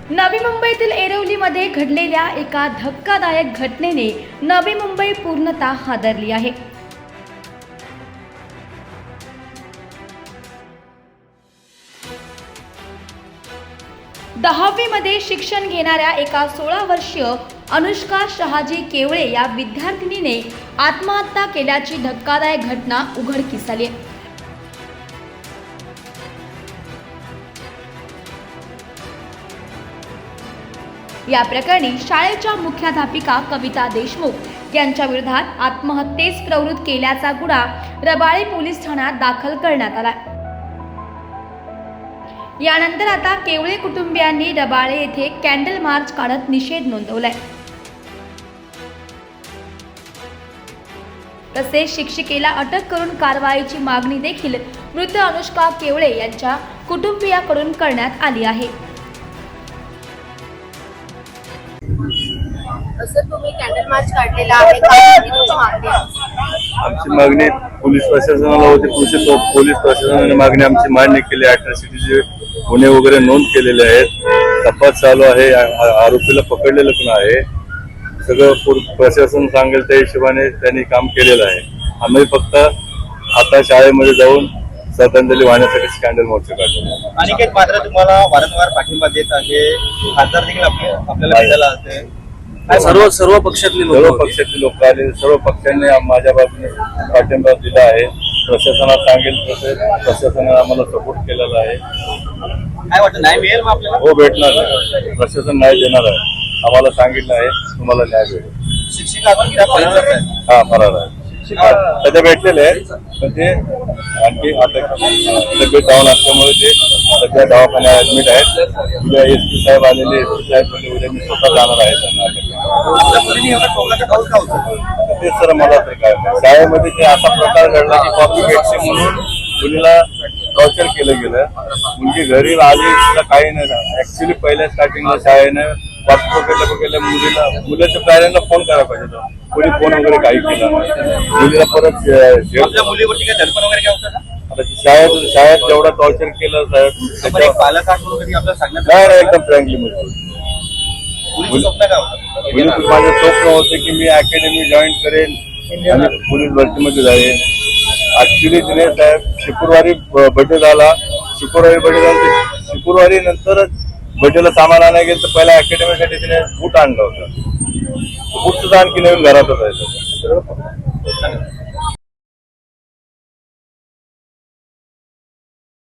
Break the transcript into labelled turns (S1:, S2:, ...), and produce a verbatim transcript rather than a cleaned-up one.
S1: नवी मुंबईतील एरवलीमध्ये घडलेल्या एका धक्कादायक घटनेने नवी मुंबई पूर्णतः हादरली आहे। दहावी मध्ये शिक्षण घेणाऱ्या एका सोळा वर्षीय अनुष्का शहाजी केवळे या विद्यार्थिनीने आत्महत्या केल्याची धक्कादायक घटना उघडकीस आली आहे। या प्रकरणी शाळेच्या मुख्याध्यापिका कविता देशमुख यांच्या विरोधात आत्महत्येस प्रवृत्त केल्याचा गुन्हा रबाळे पोलीस ठाण्यात दाखल करण्यात आला। यानंतर आता केवळे कुटुंबियांनी रबाळे येथे कॅन्डल मार्च काढत निषेध नोंदवलाय। तसेच शिक्षिकेला अटक करून कारवाईची मागणी देखील मृत अनुष्का केवळे यांच्या कुटुंबियाकडून करण्यात आली आहे।
S2: असं तुम्ही कॅन्डल मार्च काढलेला आहे, काय तुमची मागणी आहे?
S3: आमची मागणी पोलीस प्रशासनाला होती। पोलीस प्रशासनाने मागणी आमची मान्य केली। अॅट्रॉसिटीचे गुन्हे वगैरे नोंद केलेले आहेत, तपास चालू आहे, आरोपीला पकडलेलं पण आहे। सगळं प्रशासन सांगेल त्या हिशोबाने त्यांनी काम केलेलं आहे। आम्ही फक्त आता शाळेमध्ये जाऊन श्रद्धांजली वाहण्यासाठी कॅन्डल मार्च काढतो।
S4: अनिकेत मात्र तुम्हाला वारंवार पाठिंबा देत आहे, खासदार देखील आपल्याला भेटायला असते।
S3: सर्व सर्व पक्षातले लोक सर्व पक्षातले लोक आले, सर्व पक्षांनी माझ्या बाजूने पाठिंबा दिला आहे। प्रशासनाला सांगेल तसे प्रशासनाने आम्हाला सपोर्ट केलेला आहे।
S4: काय वाटतं, न्याय मिळेल मग आपल्याला?
S3: हो, भेटणार आहे। प्रशासन न्याय देणार आहे, आम्हाला सांगितलं आहे तुम्हाला न्याय भेटेल।
S4: शिक्षिका
S3: हा फरार आहे, सध्या भेटलेले आहेत, पण ते आणखी आता तब्येत डाऊन असल्यामुळे ते सध्या दवाखान्यात ऍडमिट आहेत। उद्या एस पी साहेब आलेले, एस पी साहेब म्हणजे उद्या मी स्वतः जाणार आहे त्यांना। तेच सर मला तर काय शाळेमध्ये ते असा प्रकार घडला की कॉपी भेटते म्हणून मुलीला टॉर्चर केलं गेलं। मुलगी घरी आली, तिला काही नाही। ऍक्च्युली पहिल्या स्टार्टिंगला शाळेनं वाट पकडल्या पकडल्या मुलीला मुलाच्या पॅरेंटला फोन करायला पाहिजे होता, कोणी फोन वगैरे काही केला नाही। मुलीला परत
S4: मुलीवरती काय धडपड वगैरे काय होतं?
S3: आता शाळेत शाळेत जेवढा टॉर्चर केलं साहेब
S4: पालक आपल्याला सांगण्यात
S3: नाही एकदम फ्रँकली म्हणजे
S4: मुलीचं स्वप्न काय होतं?
S3: माझं स्वप्न होतं की मी अकॅडमी जॉईन करेन आणि पोलीस भरतीमध्ये जाईन। ऍक्च्युली तिने साहेब शुक्रवारी बर्थडे झाला, शुक्रवारी बर्थडे झाला, शुक्रवारी नंतरच बर्थडेला सामान आणायला गेलं तर पहिल्या अकॅडमीसाठी तिने बूट आणलं होतं। बूट सुद्धा आणखी नवीन घरातच आहे।